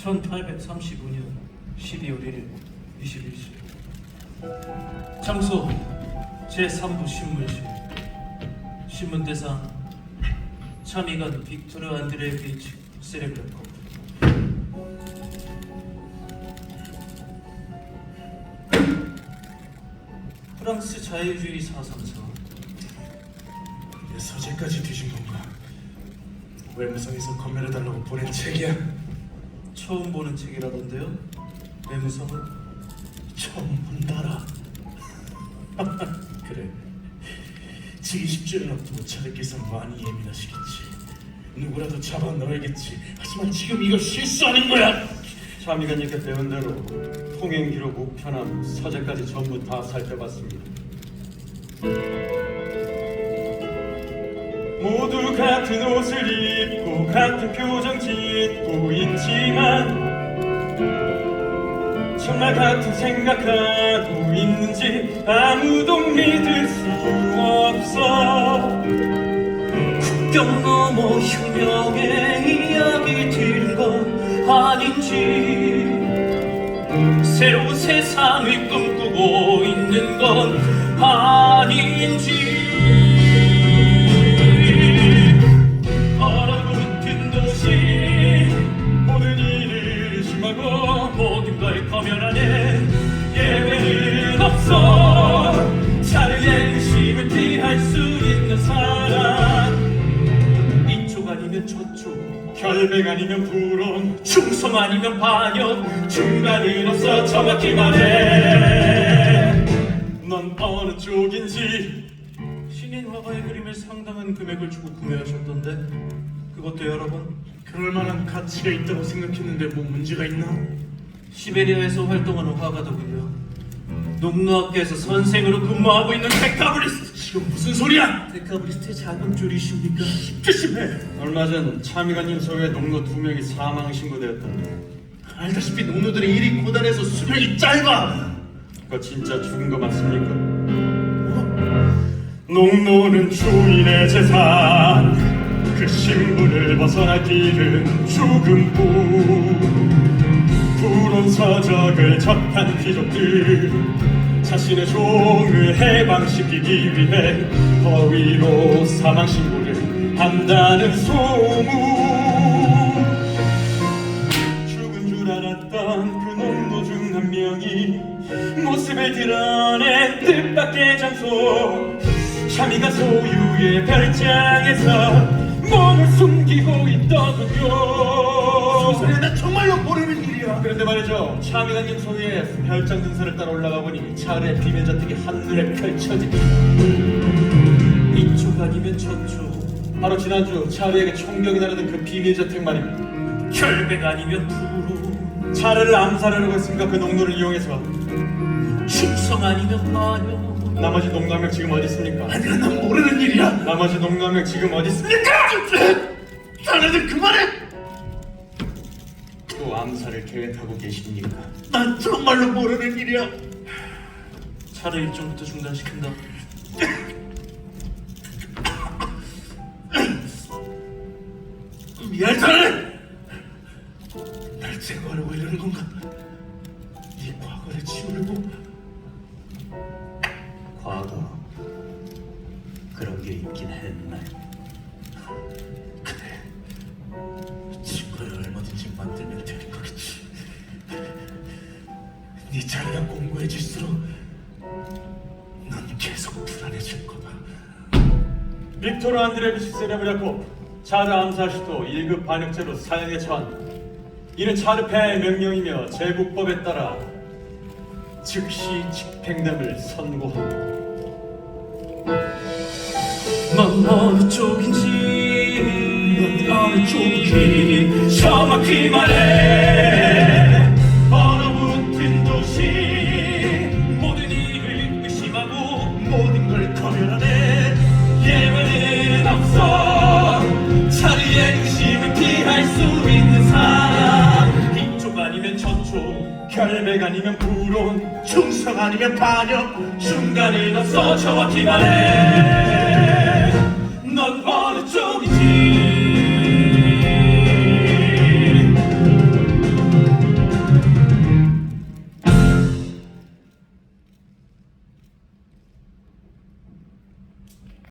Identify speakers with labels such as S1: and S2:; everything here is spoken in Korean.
S1: 1835년 12월 1일 21시 장소 제3부 신문실 신문대상 참의관 빅토르 안드레비치 세레브레코 프랑스 자유주의 사상서.
S2: 내 서재까지 뒤진 건가? 외무성에서 검열해달라고 보낸 책이야.
S1: 처음 보는 책이라던데요? 외무성은?
S2: 처음 본다라. 그래, 지기 10주를 앞두고 차례께서 많이 예민하시겠지. 누구라도 잡아 넣어야겠지. 하지만 지금 이거 실수하는 거야.
S3: 참의관님께 배운 대로 통행 기록 우편함 서재까지 전부 다 살펴봤습니다. 모두 같은 옷을 입고 같은 표정 짓고 있지만 정말 같은 생각하고 있는지 아무도 믿을 수 없어.
S1: 국경 넘어 혁명의 이야기 들은 건 아닌지 새로운 세상을 꿈꾸고 있는 건 아닌지 얼어붙은 도시
S3: 모든 일을 의심하고
S1: 모든 걸 검열하는 예외는 없어. 자유의 의심을 피할 수 있는 사람 이쪽 아니면 저쪽
S3: 결백 아니면 불온
S1: 충성 아니면 반역 중간은 없어. 정확히 말해
S3: 넌 어느 쪽인지.
S1: 신인 화가의 그림을 상당한 금액을 주고 구매하셨던데 그것도 여러 번?
S2: 그럴 만한 가치가 있다고 생각했는데 뭐 문제가 있나?
S1: 시베리아에서 활동하는 화가더군요. 농노학교에서 선생으로 근무하고 있는 데카브리스트.
S2: 지금 무슨 소리야?
S1: 데카브리스트의 자금줄이십니까?
S2: 조심해.
S3: 얼마 전 참의관님 소유의 농노 2명이 사망 신고되었던데
S2: 알다시피 농노들의 일이 고단해서 수명이 짧아.
S3: 그거 진짜 죽은 거 맞습니까? 농노는 주인의 재산 그 신분을 벗어날 길은 죽음뿐. 불온 서적을 접한 귀족들 자신의 종을 해방시키기 위해 허위로 사망 신고를 한다는 소문. 죽은 줄 알았던 그 농노 중 한 명이 모습을 드러낸 뜻밖의 장소 참의가 소유의 별장에서 몸을 숨기고 있더군요.
S2: 소리야, 나 정말로 모르는 일이야.
S3: 그런데 말이죠, 참의관님 소유의 별장 등산을 따라 올라가 보니 차례 비밀 저택이 한눈에 펼쳐집니다.
S1: 이쪽 아니면 저쪽
S3: 바로 지난주 차례에게 총격이 나르던 그 비밀 저택 말입니다.
S1: 결백 아니면 불호
S3: 차례를 암살하려고 했습니까? 그 농노를 이용해서.
S1: 충성 아니면 반역
S3: 나머지 농노 한 명 지금 어디 있습니까?
S2: 아니야, 난 모르는 일이야.
S3: 나머지 농노 한 명 지금 어디 있습니까?
S2: 자네들 그만해.
S3: 또 암살을 계획하고 계십니까?
S2: 난 정말로 모르는 일이야.
S1: 차를 일정부터 중단시킨다.
S2: 미안하네. 날 제거하려고 이러는 건가? 네 과거를 지우려고?
S1: 과거 그런 게 있긴 했나?
S2: 그래, 증거를 얼마든지 만들면 되는 거겠지. 네 자리가 공고해질수록 넌 계속 불안해질 거다.
S3: 빅토르 안드레비치 세레브레코 차르 암살 시도 1급 반역죄로 사형에 처한. 이는 차르 폐하의 명령이며 제국법에 따라 즉시 집행됨을 선고합니다.
S1: 넌 어느 쪽인지 넌 어느 쪽인지 정확히 말해. 얼어붙은 도시 모든 일을 의심하고 모든 걸 검열하네. 예외는 없어. 자리의 의심을 피할 수 있는 사람 이쪽 아니면 저쪽
S3: 결백 아니면 불온
S2: 충성 아니면 반역.
S1: 중간은 없어. 정확히 말해